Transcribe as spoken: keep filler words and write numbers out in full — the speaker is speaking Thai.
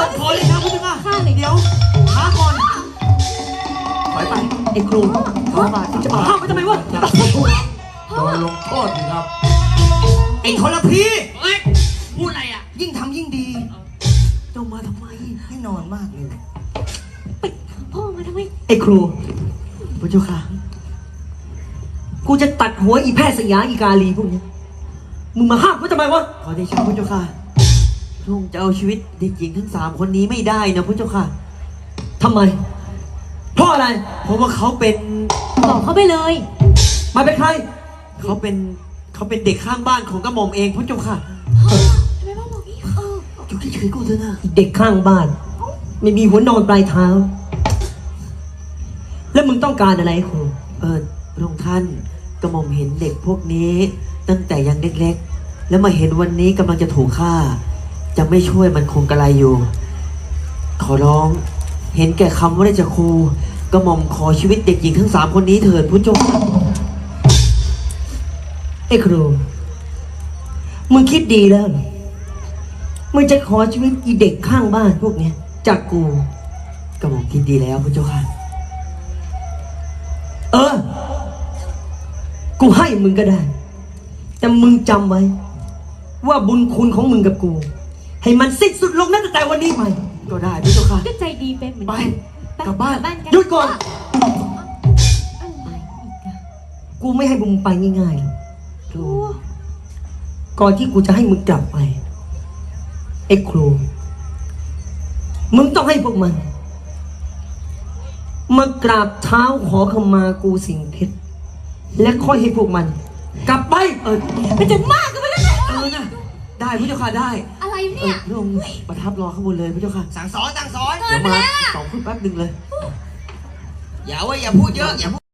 ขอเลยครับพุทธเจ้าข้าหน่อยเดี๋ยวช้าก่อนถอยไปไอ้ครูขอบาทจะมาห้ามไปทำไมวะโดนลงโทษสิครับไอ้ทรพีเฮ้ยพูดอะไรอ่ะยิ่งทำยิ่งดีเจ้ามาทำไมให้นอนมากเลยไปพ่อมาทำไมไอ้ครูพระเจ้าค่ะกูจะตัดหัวอีแพทย์สยามอีกาลีพวกนี้มึงมาห้ามกูทำไมวะขอเดชะพระเจ้าค่ะพระองค์จะเอาชีวิตเด็กหญิงทั้งสามคนนี้ไม่ได้นะพระเจ้าค่ะทำไมเพราะอะไรเพราะว่าเขาเป็นบอกเขาไปเลยมาเป็นใครเขาเป็นเขาเป็นเด็กข้างบ้านของกระหม่อมเองพระเจ้าค่ะทำไมพ่อบอกงี้เอออยู่เฉยๆกูเถอะนะเด็กข้างบ้าน ไม่มีหัวนอนปลายเท้า แล้วมึงต้องการอะไรครูเออพระองค์ท่านกระหม่อมเห็นเด็กพวกนี้ ตั้งแต่ยังเล็กๆแล้วมาเห็นวันนี้กำลังจะถูกฆ่า จะไม่ช่วยมันคงกระไรอยู่ ขอร้องเห็นแก่คำว่าได้จะครูกระหม่อมขอชีวิตเด็กหญิงทั้งสามคนนี้เถิดพุทธเจ้าค่ะไอ้ครูมึงคิดดีแล้วมึงจะขอชีวิตอีเด็กข้างบ้านพวกเนี้ยจากกูกระหม่อมคิดดีแล้วพุทธเจ้าค่ะเออกูให้มึงก็ได้แต่มึงจำไว้ว่าบุญคุณของมึงกับกูให้มันสิ้นสุดลงตั้งแต่วันนี้ไปก็ได้พุทธเจ้าค่ะก็ใจดีเป็นเหมือนไปกันกลับบ้านกันหยุดก่อนอะไรอีกอะกูไม่ให้มึงไปง่ายๆหรอกครูก่อนที่กูจะให้มึงกลับไปไอ้ครูมึงต้องให้พวกมันมากราบเท้าขอขมากูสิ่งเพชรและค่อยให้พวกมัน กลับไปเออมันจะมากกันไปแล้วเนี่ยเออนะได้พระเจ้าค่ะได้อะไรเอเนี่อย พระองค์ประทับรอข้างบนเลยพระเจ้าค่ะสั่งสอนสั่งสอนเดี๋ยวมาสองคนแป๊บหนึ่งเลยอย่าว่าอย่าพูดเยอะอย่าพูด